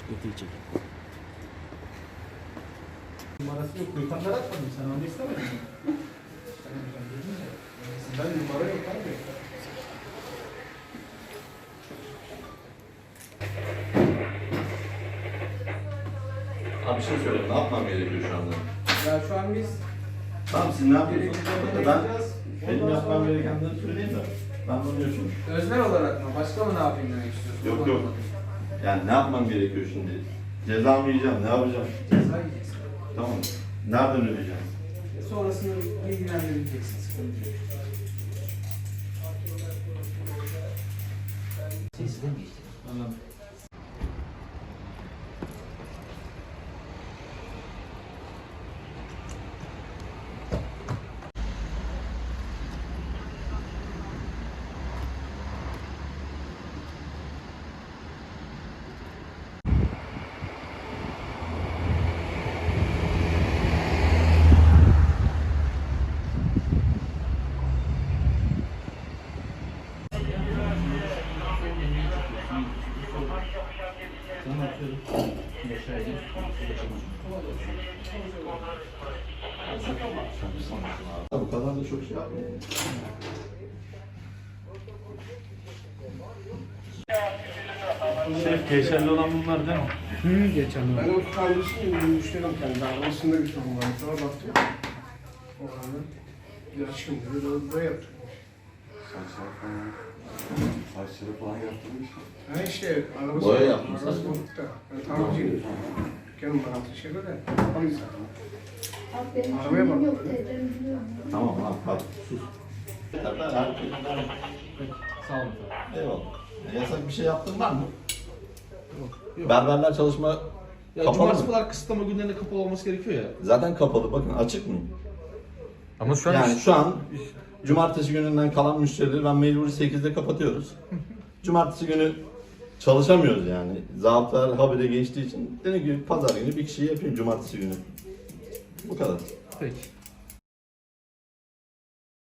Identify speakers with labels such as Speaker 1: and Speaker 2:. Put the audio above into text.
Speaker 1: Ötecek.
Speaker 2: Numarası yok. Gökhan'dan atmadım. Sen onu istemedin mi? Ben numara yok abi.
Speaker 3: Abi bir şey söyle, ne yapmam gerekiyor şu anda?
Speaker 2: Ya şu an biz
Speaker 3: Tamam siz ne yapıyorsunuz? Ben benim
Speaker 2: Ondan
Speaker 3: yapmam
Speaker 2: sonra-
Speaker 3: gerekenleri söyleyeyim de. Ben bunu yaşıyorum.
Speaker 2: öznel olarak mı? Başka mı ne yapayım demek istiyorsun?
Speaker 3: Yok yok. Yani ne yapmam gerekiyor şimdi? Ceza mı yiyeceğim, ne yapacağım?
Speaker 2: Ceza yiyeceksin.
Speaker 3: Tamam. Nereden ödeyeceğim?
Speaker 2: Sonrasını bilgilendireceksin. Sıkıntı yok.
Speaker 1: Sizden geçti.
Speaker 2: Anladım.
Speaker 3: Bu kadar da çok şey yapmayayım.
Speaker 4: Şef geçerli olan bunlar değil mi?
Speaker 2: Geçen
Speaker 5: Ben o kardeşim müşterim kendi arabasında bir sorun var. Sonra baktım. O anda biraz şimdi böyle yaptık.
Speaker 6: Saçları falan yaptırmış.
Speaker 5: Ha işte arabası
Speaker 3: Boya yaptın
Speaker 5: arabası
Speaker 3: sen.
Speaker 5: bozukta. Ben tamirciyim. Dükkanım bana teşekkür ederim. Alayım zaten.
Speaker 7: Abi benim
Speaker 5: Arabaya
Speaker 7: kimliğim
Speaker 5: bak.
Speaker 7: yok dedim biliyorum.
Speaker 3: Tamam lan bak sus.
Speaker 2: Sağ olun.
Speaker 3: Eyvallah. Yasak bir şey yaptın var mı? Berberler çalışma
Speaker 4: Ya
Speaker 3: kapalı
Speaker 4: cumartesi
Speaker 3: mı?
Speaker 4: kadar kısıtlama günlerinde kapalı olması gerekiyor ya.
Speaker 3: Zaten kapalı. Bakın açık mı?
Speaker 4: Ama şu
Speaker 3: Yani şu an cumartesi gününden kalan müşterileri ben mecburi 8'de kapatıyoruz. Cumartesi günü çalışamıyoruz yani. Zabıtalar habire geçtiği için dedim ki pazar günü bir kişiyi yapayım cumartesi günü. Bu kadar.
Speaker 4: Peki.